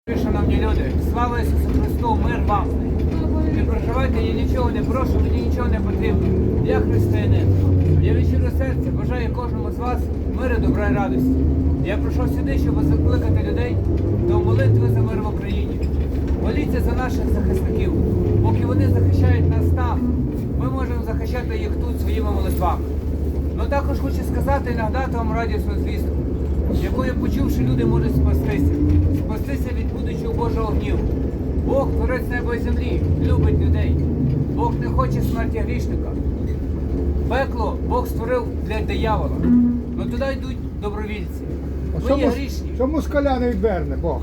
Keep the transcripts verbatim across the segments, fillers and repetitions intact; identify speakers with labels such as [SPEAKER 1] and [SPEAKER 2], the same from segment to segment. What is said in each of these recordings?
[SPEAKER 1] Шановні люди, слава Ісусу Христу, мир вам! Не проживайте, я нічого не прошу, мені нічого не потрібно. Я християнин. Я від щирого серця бажаю кожному з вас миру, добра і радості. Я прийшов сюди, щоб закликати людей до молитви за мир в Україні. Моліться за наших захисників. Поки вони захищають нас там, ми можемо захищати їх тут своїми молитвами. Ну також хочу сказати і нагадати вам радісну звістку, якою, почувши, люди можуть спастися. Спастися від будучого Божого гніву. Бог, творець неба і землі, любить людей. Бог не хоче смерті грішника. Пекло Бог створив для диявола. Ну туди йдуть добровільці. Ми є грішні.
[SPEAKER 2] Що москаля не відверне Бог?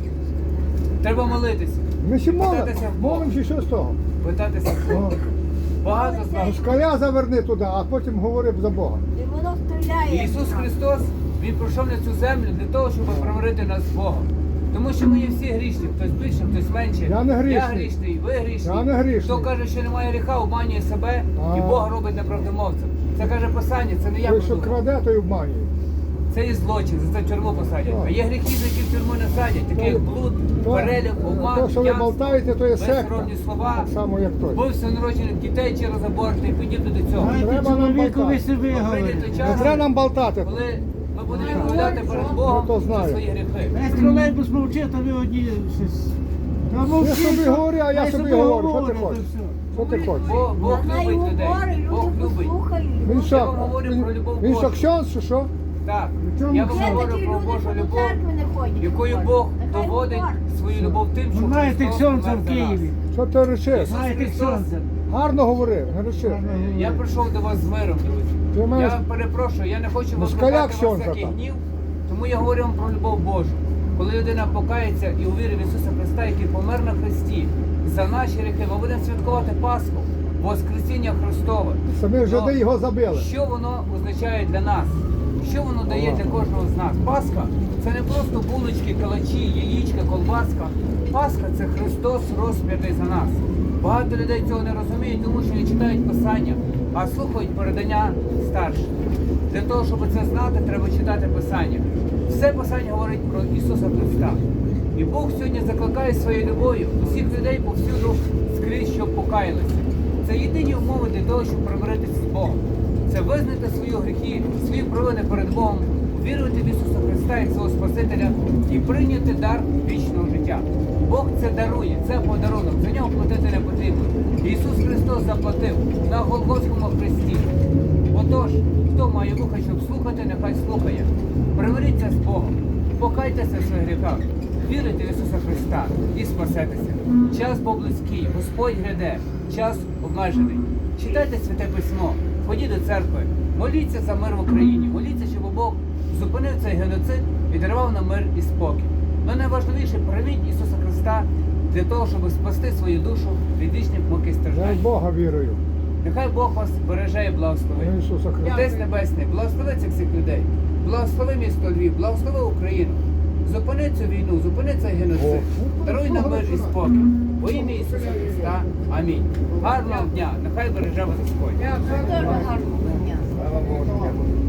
[SPEAKER 1] Треба молитися.
[SPEAKER 2] Ми ще молимо,
[SPEAKER 1] Питатися в Бога.
[SPEAKER 2] молимо чи що з того?
[SPEAKER 1] Питатися в Бога. Багато з нас.
[SPEAKER 2] Москаля заверни туди, а потім говори за Бога.
[SPEAKER 3] І воно стріляє.
[SPEAKER 1] Ісус Христос, Він прийшов на цю землю для того, щоб примирити нас з Богом. Тому що ми є всі грішні, хтось більше, хтось менше.
[SPEAKER 2] Я не грішний.
[SPEAKER 1] Я грішний, ви грішні.
[SPEAKER 2] Я не грішний.
[SPEAKER 1] Хто каже, що немає гріха, обманює себе
[SPEAKER 2] А.
[SPEAKER 1] і Бога робить неправдомовцем. Це каже Писання, це не я
[SPEAKER 2] Той, що
[SPEAKER 1] придумав.
[SPEAKER 2] краде, той обманює.
[SPEAKER 1] Це є злочин, за це в тюрму посадять.
[SPEAKER 2] Так.
[SPEAKER 1] А є гріхи, за які в тюрму не садять, такі як блуд,
[SPEAKER 2] То-
[SPEAKER 1] перелік, обман,
[SPEAKER 2] То, що ви
[SPEAKER 1] п'янство,
[SPEAKER 2] болтаєте, то є секта.
[SPEAKER 1] безсоромні слова,
[SPEAKER 2] Так само, як той.
[SPEAKER 1] вбивство народжених дітей через аборт і подібне до цього.
[SPEAKER 2] Треба
[SPEAKER 4] Знаєте,
[SPEAKER 2] нам
[SPEAKER 4] чоловіку ви
[SPEAKER 2] болтати.
[SPEAKER 4] собі
[SPEAKER 1] Прийде
[SPEAKER 4] говорите.
[SPEAKER 1] той
[SPEAKER 2] Не
[SPEAKER 1] час,
[SPEAKER 2] треба нам болтати.
[SPEAKER 1] коли ми будемо відповідати перед Богом
[SPEAKER 2] Ну, то
[SPEAKER 1] за
[SPEAKER 2] знаю.
[SPEAKER 1] свої гріхи.
[SPEAKER 4] Весь тролейбус мовчить, а ви одні щось. Та мовчіть,
[SPEAKER 2] собі
[SPEAKER 4] то-
[SPEAKER 2] говори, а я
[SPEAKER 4] хай
[SPEAKER 2] собі говорю. Що ти
[SPEAKER 4] говорить,
[SPEAKER 2] хочеш?
[SPEAKER 4] то все.
[SPEAKER 2] Що ти хочеш?
[SPEAKER 1] Бо Бог
[SPEAKER 3] Вона й
[SPEAKER 1] любить людей.
[SPEAKER 3] говорить,
[SPEAKER 1] Бог
[SPEAKER 3] люди
[SPEAKER 1] любить.
[SPEAKER 3] послухають.
[SPEAKER 2] Він
[SPEAKER 1] Я
[SPEAKER 2] що?
[SPEAKER 1] вам говорю про любов
[SPEAKER 2] Він що,
[SPEAKER 1] Божу.
[SPEAKER 2] ксьонз, чи що?
[SPEAKER 1] Так,
[SPEAKER 4] чому
[SPEAKER 1] я вам
[SPEAKER 4] це?
[SPEAKER 3] Є
[SPEAKER 1] говорю
[SPEAKER 3] такі
[SPEAKER 1] про
[SPEAKER 3] люди,
[SPEAKER 1] Божу
[SPEAKER 3] що до
[SPEAKER 1] любов,
[SPEAKER 3] церкви не ходять.
[SPEAKER 1] якою
[SPEAKER 3] не
[SPEAKER 1] Бог
[SPEAKER 3] ходять. Нехай
[SPEAKER 1] доводить
[SPEAKER 3] говорять.
[SPEAKER 1] свою любов тим, що
[SPEAKER 4] Ви знаєте
[SPEAKER 1] Христос
[SPEAKER 4] ксьонза
[SPEAKER 1] помер
[SPEAKER 4] в
[SPEAKER 1] за нас.
[SPEAKER 4] Києві.
[SPEAKER 2] Що ти речиш?
[SPEAKER 4] Знаєте
[SPEAKER 1] Христос.
[SPEAKER 4] ксьонза.
[SPEAKER 2] Гарно говори, не речи.
[SPEAKER 1] Я прийшов до вас з миром, друзі.
[SPEAKER 2] Ти маєш...
[SPEAKER 1] Я перепрошую, я не хочу
[SPEAKER 2] Москаля
[SPEAKER 1] викликати вас
[SPEAKER 2] ксьонза
[SPEAKER 1] всякий
[SPEAKER 2] там.
[SPEAKER 1] гнів, тому я говорю вам про любов Божу. Коли людина покається і увірить в Ісуса Христа, який помер на Христі, за наші гріхи, ми будемо святкувати Пасху, Воскресіння Христове.
[SPEAKER 2] Самі
[SPEAKER 1] Но
[SPEAKER 2] жиди його забили.
[SPEAKER 1] Що воно означає для нас? Що воно дає для кожного з нас? Пасха – це не просто булочки, калачі, яєчка, колбаска. Пасха – це Христос розп'ятий за нас. Багато людей цього не розуміють, тому що не читають Писання, а слухають передання старших. Для того, щоб це знати, треба читати Писання. Все Писання говорить про Ісуса Христа. І Бог сьогодні закликає своєю любов'ю усіх людей повсюду скрізь, щоб покаялися. Це єдині умови для того, щоб примиритися з Богом. Це визнати свої гріхи, свої провини перед Богом, вірувати в Ісуса Христа як свого Спасителя і прийняти дар вічного життя. Бог це дарує, це подарунок, за нього платити не потрібно. Ісус Христос заплатив на Голгофському хресті. Отож, хто має вуха, щоб слухати, нехай слухає. Примиріться з Богом, покайтеся в своїх гріхах, вірите в Ісуса Христа і спасетеся. Час був близький, Господь гряде, час обмежений. Читайте Святе Письмо, ходіть до церкви, моліться за мир в Україні, моліться, щоб Бог зупинив цей геноцид і дарував нам мир і спокій. Но найважливіше, прийміть Ісуса Христа для того, щоб спасти свою душу від вічних мук і
[SPEAKER 2] Я в
[SPEAKER 1] страждань.
[SPEAKER 2] Бога вірую.
[SPEAKER 1] Нехай Бог вас береже і благословить.
[SPEAKER 2] В Ісуса Христа.
[SPEAKER 1] Отець Небесний, благослови цих всіх людей. Благослови місто Львів, благослови Україну. Зупини цю війну, зупини цей геноцид. Даруй нам мир і спокій. Во ім'я Ісуса Христа. Амінь. Гарного дня. Нехай береже вас Господь.
[SPEAKER 3] Дуже гарно.
[SPEAKER 2] Слава Богу.